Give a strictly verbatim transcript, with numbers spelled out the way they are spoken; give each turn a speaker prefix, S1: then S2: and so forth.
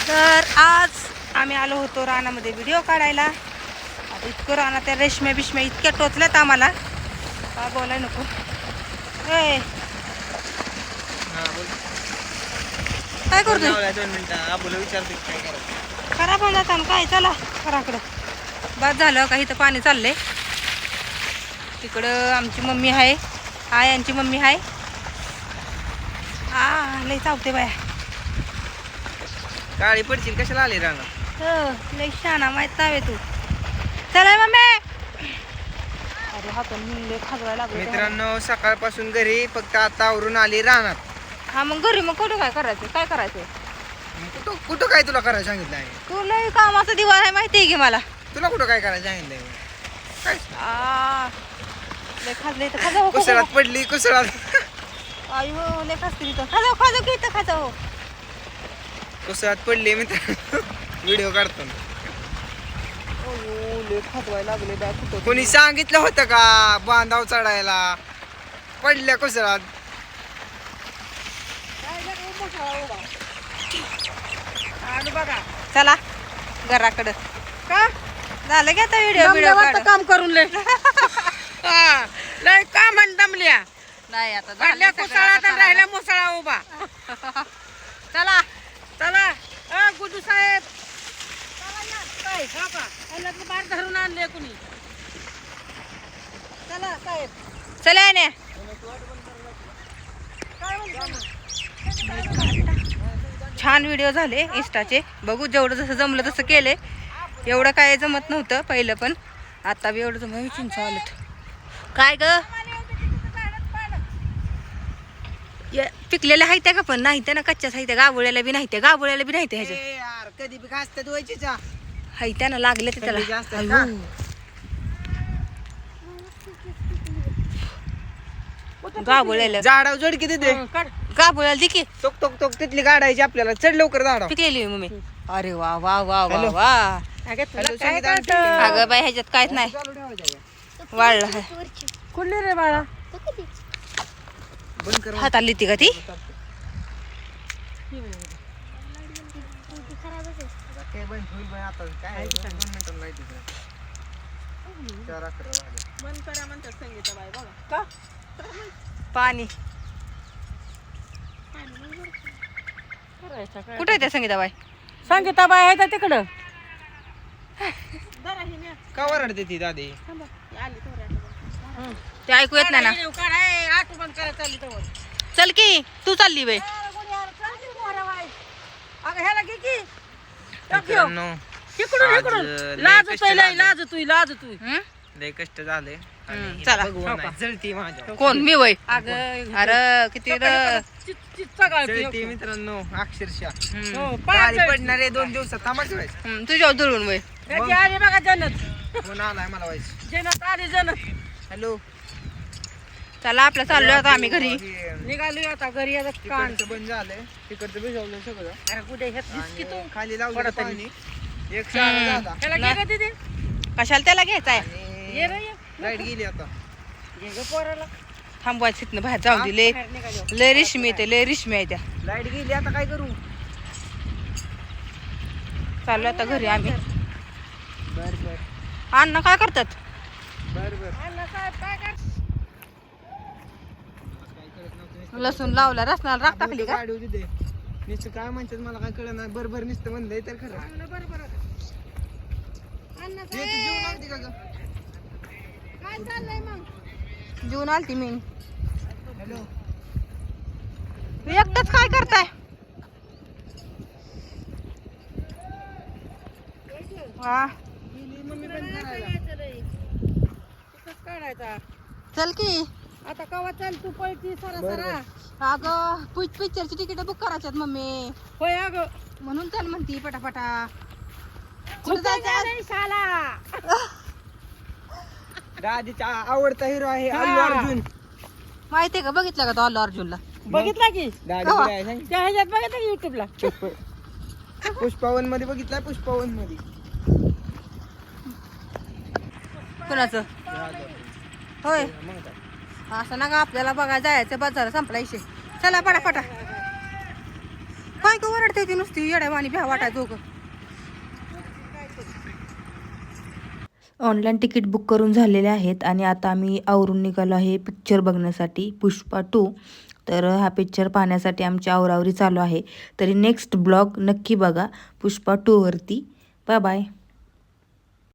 S1: तर आज आम्ही आलो होतो रानामध्ये व्हिडिओ काढायला. आता इतकं रानात त्या रेशम्या बिशम्या इतक्या टोचल्यात आम्हाला का बोलाय नको. ए काय करतोय?
S2: दोन मिनिटं आबूला विचारतो काय करायचं.
S1: खराब होऊन जाता काय. चला घराकडं. बाद झालं का इथं पाणी चाललंय. तिकडं आमची मम्मी आहे. हाय यांची मम्मी आहे. आ लय चावते बाया.
S2: काळी पडशील कशाला आली रानात?
S1: हो लय शाना माहित नावे तू. चला मम्मी. अरे हातून मिळले खाजवायला लागले
S2: मित्रांनो सकाळपासून घरी फक्त आता आवरून आली रानात.
S1: हा मग घरी मग कुठं काय करायचं? काय करायचं?
S2: कुठं कुठं काय तुला करायला सांगितलं आहे?
S1: तू लय कामाचा दिवाळ आहे माहिती आहे की मला.
S2: तुला कुठं काय करायला सांगितलंय? काय
S1: आ लय खाजले तर खाजाव.
S2: कुसळात पडली कुसळात.
S1: अयो लय खाजते इथं. खाजाव खाजाव की इथं खाजाव.
S2: कुसळात पडली मित्रांनो. व्हिडिओ काढतो ना.
S1: अयो लय खाजवायला लागले बाय. कुठं
S2: कोणी सांगितलं होतं का बांधाव चढायला? पडल्या कुसळात.
S1: बघा चला घराकडं. का झालं की आता व्हिडिओ व्हिडिओ
S3: काम करून लय लय काम दमल्या.
S1: नाही आता
S3: झाल्या कुसळात राहिला मुसळा उभा.
S1: चला
S3: चला अ गुडू साहेब काय हा का याला बार धरून आणले कुणी. चला साहेब
S1: चला ने. छान व्हिडिओ झाले इंस्टाचे. बघू जेवढं जसं जमलं तसं केले. एवढं काय जमत नव्हतं पहिलं पण आता बी एवढं जमलं. चिंच आलं काय ग पिकलेल्या आहेत का पण नाही त्या ना कच्च्याच आहेत. गाबोळ्याला बी नाही त्या गाबोळ्याला बी नाही ह्याच्या
S2: यार कधी बी घासतात व्हायचीचा.
S1: हाय त्यानं लागले ते
S2: थंडी जास्त आहे
S1: त्याला. गाबोळ्याला
S2: झाडावर जोड किती दे.
S1: गाबोळ्याला दे की
S2: टोक टोक टोक तिथली गाडायची आपल्याला. चढ लवकर झाडावर.
S1: पिकलेली मम्मी. अरे वा वा वा वा
S2: हॅलो.
S1: वा.
S2: Hello, Sangeeta aunty.
S1: अगं बाई ह्याच्यात काहीच नाही
S2: चालू ठेवायचं आहे.
S1: वाळलं आहे.
S3: कुठली रे बाळा.
S2: बंद कर.
S1: हाताला लिहिते का ती?
S2: काय बंद होईल बाई आता. काय आहे? दोन मिनिटांनी लाईट येते. चार अकरा वाजले.
S3: बंद करा म्हणतात संगीताबाई बघा.
S1: पाणी कुठे आहे त्या संगीताबाई?
S3: संगीताबाई आहे त्या तिकडं.
S2: का वरडते ती दादी?
S1: ते ऐकू येत नाही ना. चल की तू चालली बाई.
S3: अगं ह्याला घे की.
S2: मित्रांनो,
S3: इकडून
S2: आज
S3: इकडून
S2: लय
S3: लाज
S2: कष्ट
S3: तुय लय
S2: झाले.
S3: लाज तुय लाज तुय.
S1: हं?
S2: लय कष्ट झाले.
S1: हम्म,
S2: आणि
S1: चला.
S2: भगवान आहे. जळती माझ्या.
S1: कोण मी वय?
S3: अगं
S1: अरे किती र-
S2: जळती मित्रांनो अक्षरशः.
S1: हम्म.
S3: हो,
S2: गाडी पडणार आहे दोन दिवसात. थांबाच व्हायचं.
S1: हम्म, तुझ्यावर दुरून वय.
S3: आली बघा जनत.
S2: फोन आलाय मला व्हायचं.
S3: जनत आली जनत.
S2: हॅलो.
S1: चला आपलं चाललोय आता आम्ही घरी.
S3: निघाली आता घरी आता कान.
S2: तिकडचं बंद झालंय. तिकडचं भिजवलं सगळं.
S3: अरे कुठे घेतलीस की तू.
S2: आणि खाली लावलं
S3: पडत आली.
S2: पाणी. एक शाळा झाला.
S3: ह्याला घे गं दीदी.
S1: कशाला त्याला घ्यायचाय?
S3: ये रे
S2: आणि
S3: ये.
S2: लाईट गेली आता.
S3: घे गं पोराला.
S1: थांबवायचं तिथनं बाहेर जाऊ दे. लय
S3: बाहेर निघाली.
S1: लय रेशमी येते लय रेशमी आहे त्या.
S2: लाईट गेली आता काय करू?
S1: चाललो आता घरी आम्ही.
S2: बर बर
S1: अण्णा काय करतात?
S2: बर बर.
S3: अण्णा साहेब काय कर.
S1: लसूण लावला रसनाला राख टाकली का?
S2: गाडी होती ते नुसतं काय म्हणतात मला काय कळलं नाही. बरोबर नुसतं म्हणलंय तर खरं.
S3: अण्णा बरोबर आहे. अण्णा
S2: हे तू जेवून आलती का ग?
S3: काय चाललंय मग.
S1: जेवून आलती मी.
S2: हॅलो.
S1: एकटच काय करताय? हा
S2: गेली मम्मी बंद करायला.
S3: कसं काढायचा.
S1: चल की.
S3: आता कवा चल तू पळती सरा
S2: बरं,
S3: सरा.
S1: अगं पिक्चरची तिकीट बुक करायच्यात मम्मी.
S3: होय अगं.
S1: म्हणून चल म्हणती पटापटा. कुठं
S3: कुठं
S1: जायचं आज?
S3: नाही शाला.
S2: दादीचा आवडता हिरो आहे
S3: हा.
S2: अल्लू अर्जुन.
S1: माहितीये का? बघितलं का तो अल्लू अर्जुनला?
S3: बघितला की
S2: दादी
S1: कवा?
S2: कुठे आहे सांग?
S3: त्या ह्याच्यात बघितलं की युट्यूबला.
S2: पुष्प पुष्पावन मध्ये बघितलाय. पुष्पावन मध्ये
S1: कुणाचं? होय
S2: मग काय.
S1: असं ना का आपल्याला बघा जायचं बाजार संपला इशे. चला पटापटा काय का वरडते ती नुसती येड्यावानी भ्या वाटाय दोघं. ऑनलाईन तिकीट बुक करून झालेले आहेत आणि आता आम्ही आवरून निघालो आहे पिक्चर बघण्यासाठी पुष्पा टू. तर हा पिक्चर पाहण्यासाठी आमची आवरावरी चालू आहे. तरी नेक्स्ट ब्लॉग नक्की बघा पुष्पा टूवरती. Bye bye.